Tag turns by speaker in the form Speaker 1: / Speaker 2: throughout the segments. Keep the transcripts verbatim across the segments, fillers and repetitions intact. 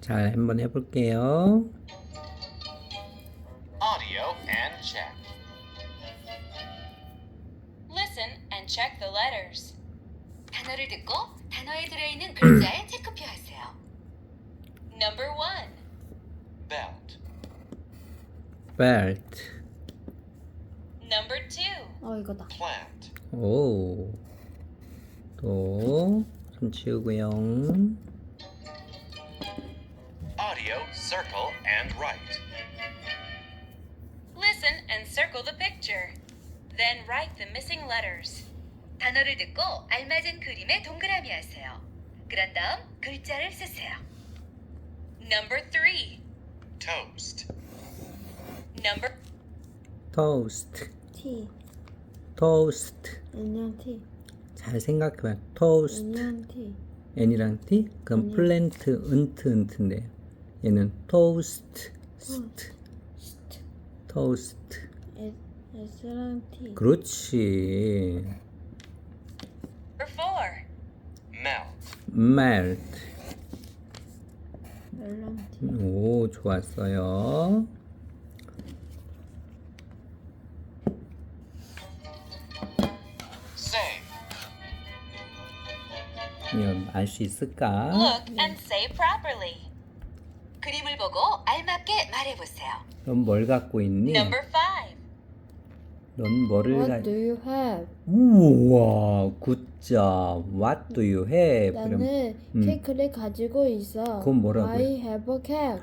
Speaker 1: 잘 한번 해볼게요.
Speaker 2: Audio and check.
Speaker 3: Listen and check the letters. 단어를 듣고 단어에 들어있는 글자에 체크표하세요. Number one,
Speaker 2: Belt.
Speaker 1: belt.
Speaker 3: number two,
Speaker 4: 어 이거다.
Speaker 2: Plant.
Speaker 1: 오. 또 손 치우고요.
Speaker 2: Audio, circle, and write.
Speaker 3: listen and circle the picture. Then write the missing letters. 단어를 듣고 알맞은 그림에 동그라미 하세요. 그런 다음 글자를 쓰세요. Number three,
Speaker 2: Toast.
Speaker 3: number
Speaker 1: toast.
Speaker 4: T.
Speaker 1: toast.
Speaker 4: N이랑 T.
Speaker 1: 잘 생각해봐요. toast.
Speaker 4: N이랑 T.
Speaker 1: n이랑 t? 그럼
Speaker 4: 아니요.
Speaker 1: 플랜트 은트 은트인데요. 얘는 toast. st.
Speaker 4: St.
Speaker 1: toast.
Speaker 4: S. S랑 T.
Speaker 1: 그렇지.
Speaker 3: Number four,
Speaker 2: Melt.
Speaker 1: melt.
Speaker 4: L랑 T.
Speaker 1: 오, 좋았어요.
Speaker 2: Say.
Speaker 1: 이건 알 수 있을까?
Speaker 3: look and say properly. 그림을 보고 알맞게 말해보세요.
Speaker 1: 넌 뭘 갖고 있니?
Speaker 3: Number five,
Speaker 1: 넌 뭐를
Speaker 4: What do
Speaker 1: 가...
Speaker 4: you have?
Speaker 1: 우와, 굿잡. What do you have? 그럼
Speaker 4: 나는
Speaker 1: 음.
Speaker 4: 케이크를 가지고 있어.
Speaker 1: 그건 뭐라고요?
Speaker 4: I have a cake.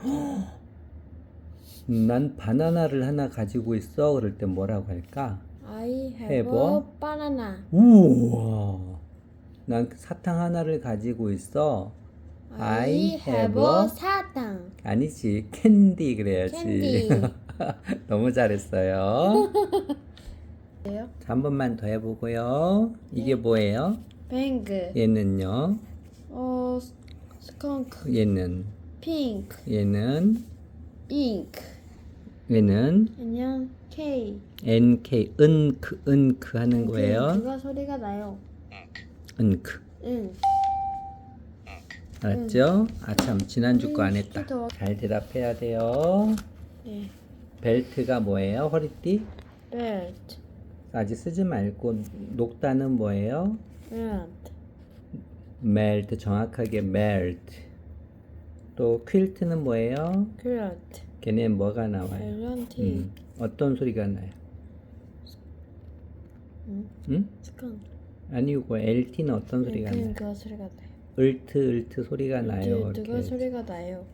Speaker 1: 난 바나나를 하나 가지고 있어. 그럴 때 뭐라고 할까?
Speaker 4: I have,
Speaker 1: have
Speaker 4: a
Speaker 1: a-
Speaker 4: banana.
Speaker 1: 우와. 난 사탕 하나를 가지고 있어. I
Speaker 4: I
Speaker 1: have
Speaker 4: have
Speaker 1: a-
Speaker 4: a 사탕.
Speaker 1: 아니지, 캔디 그래야지.
Speaker 4: 캔디.
Speaker 1: 너무 잘했어요.
Speaker 4: 뭐예요?
Speaker 1: 자, 한 번만 더 해보고요. 이게 뭐예요?
Speaker 4: 뱅그.
Speaker 1: 얘는요.
Speaker 4: 어 스컹크.
Speaker 1: 얘는
Speaker 4: 핑크.
Speaker 1: 얘는
Speaker 4: 잉크.
Speaker 1: 얘는
Speaker 4: 안녕 K.
Speaker 1: 엔케이 은크 은크 하는 거예요.
Speaker 4: 그가 소리가 나요.
Speaker 2: Ink.
Speaker 1: 은크.
Speaker 4: 응.
Speaker 2: Ink.
Speaker 1: 알았죠? 아 참 지난주 거 안
Speaker 4: 음,
Speaker 1: 했다.
Speaker 4: 시키도.
Speaker 1: 잘 대답해야 돼요.
Speaker 4: 네.
Speaker 1: 벨트가 뭐예요? 허리띠?
Speaker 4: Belt.
Speaker 1: 아직 쓰지 말고 녹다는 뭐예요?
Speaker 4: Belt.
Speaker 1: 멜트 정확하게 멜트. 또 퀼트는 뭐예요?
Speaker 4: Quilt.
Speaker 1: 걔네는 뭐가 나와요?
Speaker 4: L랑 T.
Speaker 1: 음, 어떤 소리가 나요?
Speaker 4: 응?
Speaker 1: 응?
Speaker 4: 스컹크.
Speaker 1: 아니고 엘티는 어떤 소리가
Speaker 4: 그냥
Speaker 1: 나요?
Speaker 4: 그가 소리가 나요.
Speaker 1: 을트 을트 소리가 나요.
Speaker 4: 누가
Speaker 1: 이렇게.
Speaker 4: 소리가 나요.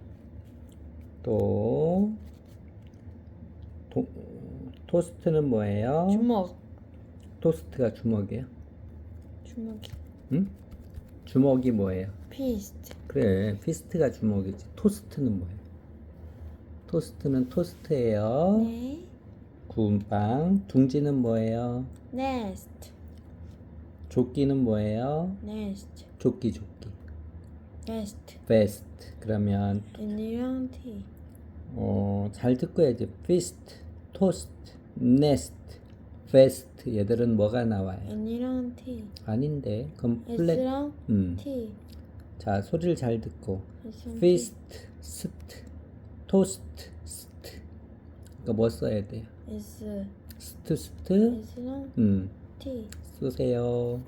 Speaker 1: 또 도, 토스트는 뭐예요?
Speaker 4: 주먹.
Speaker 1: 토스트가 주먹이에요?
Speaker 4: 주먹이.
Speaker 1: 응? 주먹이 뭐예요?
Speaker 4: 피스트.
Speaker 1: 그래, 피스트가 주먹이지. 토스트는 뭐예요? 토스트는 토스트예요.
Speaker 4: 네.
Speaker 1: 구운 빵. 둥지는 뭐예요?
Speaker 4: Nest.
Speaker 1: 조끼는 뭐예요?
Speaker 4: Nest.
Speaker 1: 조끼 조끼.
Speaker 4: Nest.
Speaker 1: 베스트. 그러면
Speaker 4: N이랑 T.
Speaker 1: 어, 잘 듣고 해야지. 피스트, 토스트, 네스트, 베스트. 얘들은 뭐가 나와요?
Speaker 4: N이랑 T.
Speaker 1: 아닌데. 그럼 플랫.
Speaker 4: S랑
Speaker 1: 음.
Speaker 4: T.
Speaker 1: 자, 소리를 잘 듣고.
Speaker 4: S랑 T.
Speaker 1: 피스트, 스트, 토스트, 스트. 그러니까 뭐 써야 돼요?
Speaker 4: S.
Speaker 1: 스트, 스트.
Speaker 4: S랑
Speaker 1: 음,
Speaker 4: T.
Speaker 1: 쓰세요.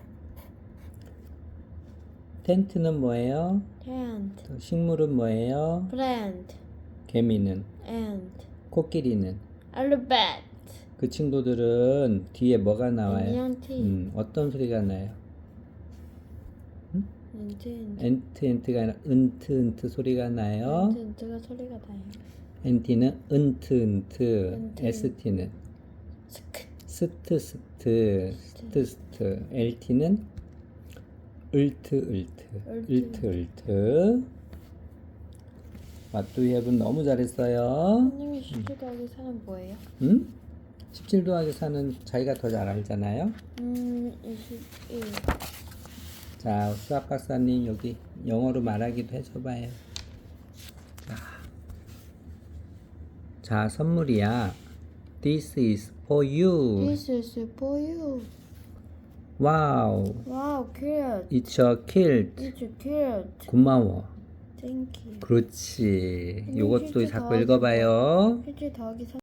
Speaker 1: 텐트는 뭐예요?
Speaker 4: Tent.
Speaker 1: 또 식물은 뭐예요?
Speaker 4: Plant.
Speaker 1: 개미는?
Speaker 4: Ant.
Speaker 1: 코끼리는?
Speaker 4: Alphabet.
Speaker 1: 그 친구들은 뒤에 뭐가 나와요?
Speaker 4: N이랑 T.
Speaker 1: 음, 어떤 소리가 나요?
Speaker 4: 엔트 엔트.
Speaker 1: 엔트, 엔트가 아니라 은트, 은트 소리가 나요.
Speaker 4: 엔트 엔트가 소리가 나요.
Speaker 1: 엔티는 은트, 은트.
Speaker 4: 은트.
Speaker 1: 에스티는
Speaker 4: 스크.
Speaker 1: 스트, 스트, 스트, 스트. 엘티는 을트, 을트,
Speaker 4: 을트.
Speaker 1: 을트, 을트. 왓두이앱은 너무 잘했어요.
Speaker 4: 선생님이 십칠 더하기 사는 뭐예요?
Speaker 1: 응? 십칠 더하기 사는 자기가 더 잘 알잖아요.
Speaker 4: 음, 이십일.
Speaker 1: 자, 수학 박사님 여기 영어로 말하기도 해줘봐요. 자, 자 선물이야. This is for you.
Speaker 4: This is for you.
Speaker 1: Wow,
Speaker 4: Wow, cute.
Speaker 1: it's a kilt.
Speaker 4: It's cute.
Speaker 1: 고마워.
Speaker 4: 땡큐.
Speaker 1: 그렇지.
Speaker 4: 음,
Speaker 1: 요것도
Speaker 4: 실제
Speaker 1: 자꾸
Speaker 4: 더하기
Speaker 1: 읽어봐요.
Speaker 4: 일주일 더하기 삼